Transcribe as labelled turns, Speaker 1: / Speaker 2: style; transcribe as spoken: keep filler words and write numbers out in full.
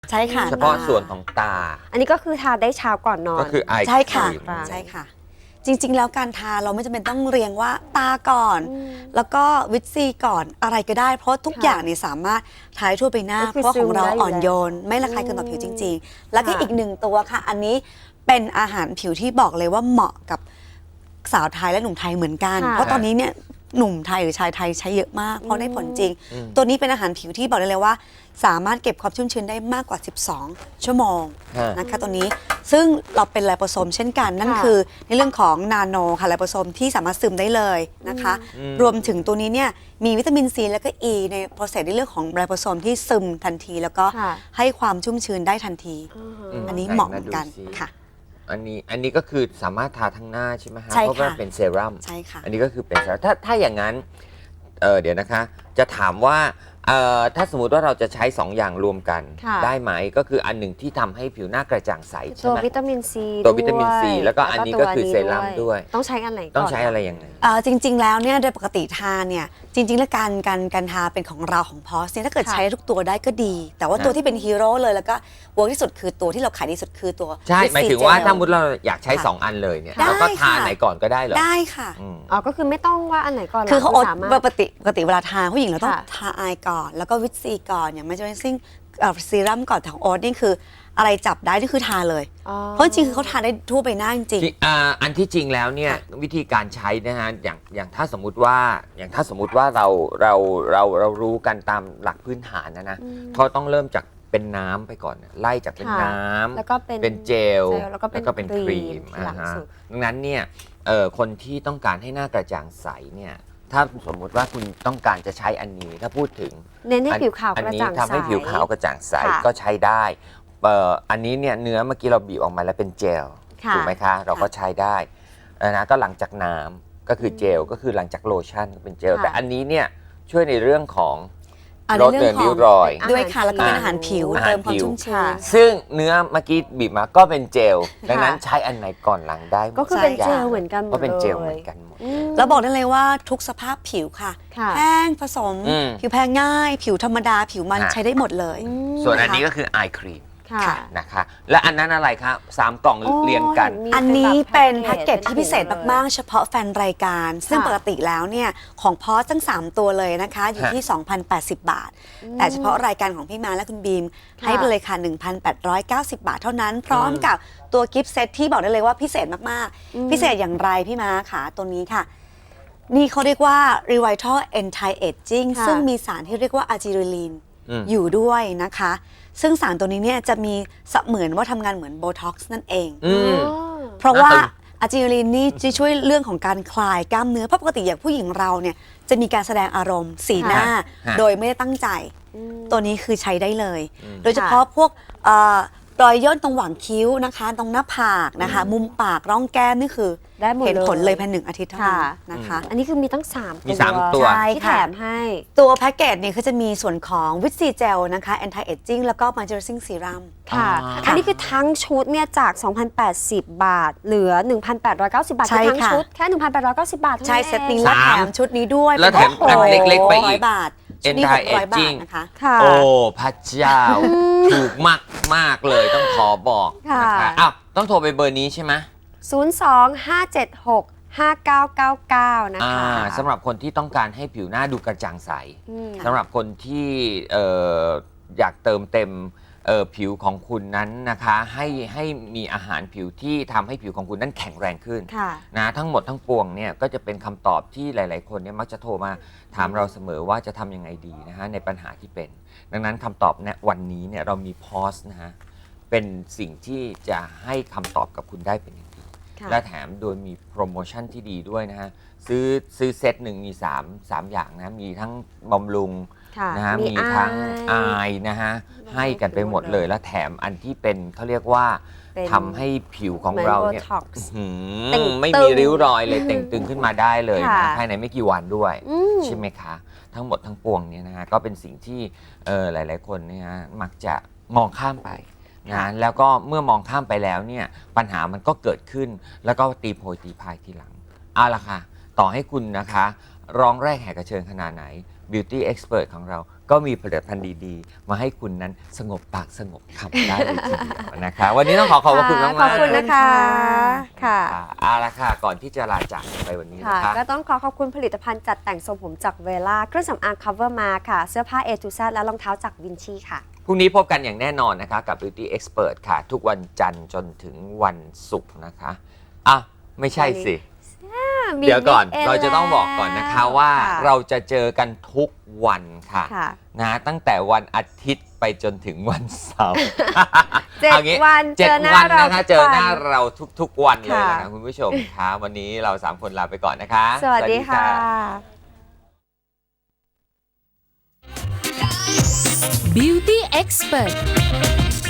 Speaker 1: ใช่ค่ะ
Speaker 2: เฉพาะส่วนของตา
Speaker 3: อันนี้ก็คือทาได้เช้าก่อนนอน
Speaker 2: ก็คือไอ
Speaker 1: ใช่ค่ะ
Speaker 3: ใช่
Speaker 1: ใช่ค่ะจริงๆแล้วการทาเราไม่จำเป็นต้องเรียงว่าตาก่อนแล้วก็วิตซีก่อนอะไรก็ได้เพราะทุกอย่างเนี่ยสามารถทาทั่วไปหน้าเพราะของเราอ่อนโยนไม่ระคายเคืองต่อผิวจริงๆแล้วก็อีกหนึ่งตัวค่ะอันนี้เป็นอาหารผิวที่บอกเลยว่าเหมาะกับสาวไทยและหนุ่มไทยเหมือนกันเพราะตอนนี้เนี่ยหนุ่มไทยหรือชายไทยใช้เยอะมากเพราะได้ผลจริงตัวนี้เป็นอาหารผิวที่บอกได้เลยว่าสามารถเก็บความชุ่มชื้นได้มากกว่าสิบสองชั่วโมงนะคะตัวนี้ซึ่งเราเป็นไลโปโซมเช่นกันนั่นคือในเรื่องของนาโนค่ะไลโปโซมที่สามารถซึมได้เลยนะคะรวมถึงตัวนี้เนี่ยมีวิตามินซีและก็อ e ีในโปรเซสในเรื่องของไลโปโซมที่ซึมทันทีแล้วก็ให้ความชุ่มชื้นได้ทันทีอันนี้เหมาะกันค่ะ
Speaker 2: อันนี้อันนี้ก็คือสามารถทาทั้งหน้าใช่ไหมฮะ
Speaker 1: ใช่ค่ะ
Speaker 2: เพราะว่าเป็นเซรั่ม
Speaker 1: ใช่ค่ะ
Speaker 2: อันนี้ก็คือเป็นเซรั่มถ้าถ้าอย่างนั้นเออเดี๋ยวนะคะจะถามว่าเอ่อถ้าสมมุติว่าเราจะใช้สองอย่างรวมกันได้ไหมก็คืออันหนึ่งที่ทำให้ผิวหน้ากระจ่างใสใช่
Speaker 3: ตัว
Speaker 2: ไหม
Speaker 3: วิตามินซี
Speaker 2: ตัววิตามินซีแล้วก็อันนี้ก็คือเซรั่มด้วย
Speaker 3: ต้องใช้อันไหนก่อน
Speaker 2: ต้องใช้อะไรยังไง
Speaker 1: เอ่อจริง ๆ แล้วเนี่ยโดยปกติทาเนี่ยจริง ๆ แล้วการการการทาเป็นของเราของพอสเนี่ยถ้าเกิดใช้ทุกตัวได้ก็ดี แต่ว่าตัวที่เป็นฮีโร่เลยแล้วก็เวิร์กที่สุดคือตัวที่เราขายดีสุดคือตัว
Speaker 2: ใช่หมายถึงว่าถ้ามุดเราอยากใช้
Speaker 1: ค่ะ
Speaker 2: สองอันเลยเนี่ย
Speaker 1: ได้
Speaker 2: เราก็ทา
Speaker 1: ค่ะ
Speaker 2: ไหนก่อนก็ได้เหรอ
Speaker 1: ได้ค่ะ
Speaker 2: อืม
Speaker 3: อ๋อก็คือไม่ต้องว่าอันไหนก่อน
Speaker 1: คือเขาอด
Speaker 3: สามารถ
Speaker 1: ปกติปกติเวลาทาผู้หญิงเราต้อง
Speaker 3: ค่ะ
Speaker 1: ทาอายก่อน แล้วก็วิตซีก่อนอย่างไม่จะเป็นซิ่งซีรั่มก่อนของโอ๊ตนี่คืออะไรจับได้นี่คือทาเลย
Speaker 3: อ๋อ
Speaker 1: เพราะจริงๆคือเขาทาได้ทั่วไปหน้าจริง
Speaker 2: ที่อ่าอันที่จริงแล้วเนี่ย
Speaker 1: ค่ะ
Speaker 2: วิธีการใช้นะฮะอย่างอย่างถ้าสมมุติว่าอย่างถ้าสมมุติว่าเราเราเราเรารู้กันตามหลักพื้นฐานนะนะเขาต้องเริ่มจากเป็นน้ำไปก่อนไล่จากเป็น
Speaker 3: ค่ะ
Speaker 2: น้ำ
Speaker 3: แล้วก็เป็น
Speaker 2: เป็นเจล
Speaker 3: เจลแล้วก็เป็น
Speaker 2: ครีม
Speaker 3: ครีมทีหลัง
Speaker 2: อ่าฮะ
Speaker 3: สุด
Speaker 2: ดังนั้นเนี่ยเอ่อคนที่ต้องการให้หน้ากระจ่างใสเนี่ยถ้าสมมุติว่าคุณต้องการจะใช้อันนี้ถ้าพูดถึง
Speaker 3: เน้นให้ผิวขาว
Speaker 2: อัน
Speaker 3: กระ
Speaker 2: นี้
Speaker 3: จ่างใส
Speaker 2: ทำให้ผิวขาวกระจ่างใส
Speaker 3: ค่ะ
Speaker 2: ก็ใช้ได้เอ่ออันนี้เนี่ยเนื้อเมื่อกี้เราบีบออกมาแล้วเป็นเจล
Speaker 3: ค่ะ
Speaker 2: ถูกไหมคะ เราก็ใช้ได้เออนะก็หลังจากน้ำก็คือเจลก็คือหลังจากโลชั่นเป็นเจล
Speaker 3: ค่ะ
Speaker 2: แต่อันนี้เนี่ยช่วยในเรื่องของ
Speaker 1: อ่า
Speaker 2: ลดเลือนริ้วรอย
Speaker 1: ๆ ด้วยค่ะแล้วก็เป็นอาหารผิว
Speaker 2: อาหาร
Speaker 1: เติมความ
Speaker 2: ผิว
Speaker 1: ชุ่มชื้น
Speaker 2: ซึ่งเนื้อเมื่อกี้บีบมาก็เป็นเจล ดังนั้นใช้อันไหนก่อนหลังได้หมด
Speaker 3: ก็คือเป็น
Speaker 1: ใช่
Speaker 3: เจลเหมือนกันหมด
Speaker 2: ก็เป็นเจล
Speaker 3: ลย
Speaker 2: เหมือนกันหมด
Speaker 3: อืม
Speaker 1: แล้วบอกได้เลยว่าทุกสภาพผิวค่ะ
Speaker 3: ค่ะ
Speaker 1: แห้งผสม
Speaker 2: อืม
Speaker 1: ผิวแพ้ง่าย ผิวธรรมดาผิวมัน
Speaker 2: ค่ะ
Speaker 1: ใช้ได้หมดเลย
Speaker 3: อืม
Speaker 2: ส่วนอันนี้ก็คือไอครีม
Speaker 3: ค่ะ
Speaker 2: นะคะ และอันนั้นอะไรครับสามกล่อง
Speaker 3: โอ้
Speaker 2: เรียงกัน
Speaker 3: มี
Speaker 1: อันนี้เป็นแพ็กเกจ
Speaker 3: เป็น
Speaker 1: ที่พิเศษมากๆ เฉพาะแฟนรายการ ซึ่งปกติแล้วเนี่ยของพอสทั้ง สาม ตัวเลยนะคะ อยู่ที่ สองพันแปดสิบ บาท แต่เฉพาะรายการของพี่มาและคุณบีม ให้ไปเลยค่ะ หนึ่งพันแปดร้อยเก้าสิบ บาทเท่านั้น พร้อมกับตัวกิฟต์เซตที่บอกได้เลยว่าพิเศษมากๆ พิเศษอย่างไรพี่มาค่ะตัวนี้ค่ะ นี่เขาเรียกว่า Revital Anti Aging
Speaker 3: ค่ะ
Speaker 1: ซึ่งมีสารที่เรียกว่าอะจิริลีน
Speaker 2: อืม
Speaker 1: อยู่ด้วยนะคะ ซึ่งสารตัวนี้เนี่ยจะมีเสมือนว่าทำงานเหมือนโบท็อกซ์นั่นเอง
Speaker 2: อืม
Speaker 3: อ๋อ
Speaker 1: เพราะว่า
Speaker 2: น่าตื่น
Speaker 1: อะจิลินนี่จะช่วยเรื่องของการคลายกล้ามเนื้อเพราะปกติอย่างผู้หญิงเราเนี่ยจะมีการแสดงอารมณ์สีหน้า
Speaker 2: ฮะ
Speaker 1: โดยไม่ได้ตั้งใจ ตัวนี้คือใช้ได้เลย
Speaker 2: อืม
Speaker 1: โดยเฉพาะพวกเอ่อรอยย่นตรงหว่างคิ้วนะคะ ตรงหน้าผากนะคะ มุมปากร่องแก้มนี่คือ
Speaker 3: ได้หมด
Speaker 1: เห็นผล
Speaker 3: เลย
Speaker 1: เลยภายในหนึ่งอาทิตย์เท่านั้น
Speaker 3: ค่ะ
Speaker 1: นะคะ
Speaker 3: อันนี้คือมีตั้งสาม
Speaker 2: มีสามตัว
Speaker 1: ใช่
Speaker 3: ที่
Speaker 1: ค่ะ
Speaker 3: แถมให้
Speaker 1: ตัวแพ็กเกจเนี่ยก็จะมีส่วนของวิตซีเจลนะคะ anti aging แล้วก็ moisturizing serum
Speaker 3: ค่ะ
Speaker 2: อ๋ออั
Speaker 3: อันนี้คือทั้งชุดเนี่ยจาก สองพันแปดสิบ บาท เหลือ หนึ่งพันแปดร้อยเก้าสิบ บาท
Speaker 1: ใช่
Speaker 3: คือทั้ง
Speaker 1: ค่ะ
Speaker 3: ชุดแค่ หนึ่งพันแปดร้อยเก้าสิบ บาทท่า
Speaker 1: ใช่
Speaker 3: นั้น
Speaker 1: เซตนี้
Speaker 3: อง
Speaker 1: และแถ
Speaker 2: สาม
Speaker 1: มชุดนี้ด้วย
Speaker 2: แล้วแถม
Speaker 1: เป็น
Speaker 2: อันเล็กๆไปอีก
Speaker 1: ร้อยบาทชุดนี้ห
Speaker 2: Anti
Speaker 1: กร้อยบาท
Speaker 2: Aging
Speaker 1: นะคะ
Speaker 3: ค่ะ
Speaker 2: โอ้พระเจ้า ถูกมากมากๆเลยต้องขอบอก
Speaker 3: ค่ะ
Speaker 2: นะคะอ้าวต้องโทรไปเบอร์นี้ใช่ไหม
Speaker 3: ศูนย์ สอง ห้า เจ็ด หก ห้า เก้า เก้า เก้า นะ
Speaker 2: อ่า
Speaker 3: คะ
Speaker 2: สำหรับคนที่ต้องการให้ผิวหน้าดูกระจ่างใส
Speaker 3: อืม
Speaker 2: สำหรับคนที่เอ่ออยากเติมเต็มเอ่อผิวของคุณนั้นนะคะให้ให้มีอาหารผิวที่ทำให้ผิวของคุณนั้นแข็งแรงขึ้น
Speaker 3: ค่ะ
Speaker 2: นะทั้งหมดทั้งปวงเนี่ยก็จะเป็นคำตอบที่หลาย ๆ คนเนี่ยมักจะโทรมาถามเราเสมอว่าจะทำยังไงดีนะฮะในปัญหาที่เป็น ดังนั้นคำตอบในวันนี้เนี่ยเรามีพอสนะฮะเป็นสิ่งที่จะให้คำตอบกับคุณได้เป็นอย่างดี
Speaker 3: ค่ะ
Speaker 2: และแถมโดยมีโปรโมชั่นที่ดีด้วยนะฮะซื้อซื้อเซตหนึ่งมี3 3อย่างนะมีทั้งบำรุง
Speaker 3: ค่ะ
Speaker 2: นะฮะ
Speaker 3: มี
Speaker 2: มีทั้ง
Speaker 3: อาย
Speaker 2: อายนะฮะ
Speaker 3: มี
Speaker 2: ให้กันไปหมด
Speaker 3: หมด
Speaker 2: เล
Speaker 3: เลย ย
Speaker 2: และแถมอันที่เป็นเขาเรียกว่า
Speaker 3: เป็น
Speaker 2: ทำให้ผิวของ
Speaker 3: เหมือน
Speaker 2: เราเนี่ย
Speaker 3: Botox
Speaker 2: หื
Speaker 3: เต่ง
Speaker 2: มไม่
Speaker 3: ตึ
Speaker 2: มี
Speaker 3: ง
Speaker 2: ริ้วรอยเลยเต่งตึงขึ้นมาได้เลย
Speaker 3: ค่ะ
Speaker 2: นะภายในไม่กี่วันด้วย
Speaker 3: อืม
Speaker 2: ใช่ไหมคะ ทั้งหมดทั้งปวงเนี่ยนะฮะก็เป็นสิ่งที่เออหลาย ๆ คนเนี่ยฮะมักจะมองข้ามไปนะแล้วก็เมื่อมองข้ามไปแล้วเนี่ยปัญหามันก็เกิดขึ้น แล้วก็ตีโพยตีพายทีหลังเอาละค่ะต่อให้คุณนะคะร้องแรกแหกกระเชิญขนาดไหน Beauty Expert ของเราก็มีผลิตภัณฑ์ดีๆ มาให้คุณนั้นสงบปากสงบคำได้เลยทีเดียวนะคะวันนี้ต้องขอขอบพระคุณมากๆ
Speaker 3: ขอบคุณนะคะค่ะ
Speaker 2: ค่ะเอาละค่ะก่อนที่จะลาจากกันไปวันนี้
Speaker 3: ค่ะ
Speaker 2: นะคะ
Speaker 3: ก็ต้องขอขอบคุณผลิตภัณฑ์จัดแต่งทรงผมจากเวล่าเครื่องสำอาง Cover มาค่ะ เสื้อผ้า A to Z และรองเท้าจากวินชีค่ะ
Speaker 2: พรุ่งนี้พบกันอย่างแน่นอนนะคะกับ Beauty Expert ค่ะ ทุกวันจันทร์จนถึงวันศุกร์นะคะอ่ะไม่ใช่สิ เดี๋ยวก่อนเราจะต้องบอกก่อนนะคะว่า
Speaker 3: ค่ะ
Speaker 2: เราจะเจอกันทุกวันค่ะ
Speaker 3: ค่ะ
Speaker 2: นะตั้งแต่วันอาทิตย์ไปจนถึงวันเสาร์
Speaker 3: เจ็ด
Speaker 2: อางี้
Speaker 3: วัน
Speaker 2: เจ็ด
Speaker 3: เจอหน้า
Speaker 2: วัน
Speaker 3: เรา
Speaker 2: นะคะ
Speaker 3: ทุก
Speaker 2: เจอ
Speaker 3: วัน
Speaker 2: หน้าเราทุกๆวันเลย
Speaker 3: ค่ะ
Speaker 2: นะคะคุณผู้ชมคะวันนี้เราสามคนลาไปก่อนนะคะ
Speaker 3: สวัสดีค่ะ
Speaker 4: Beauty Expert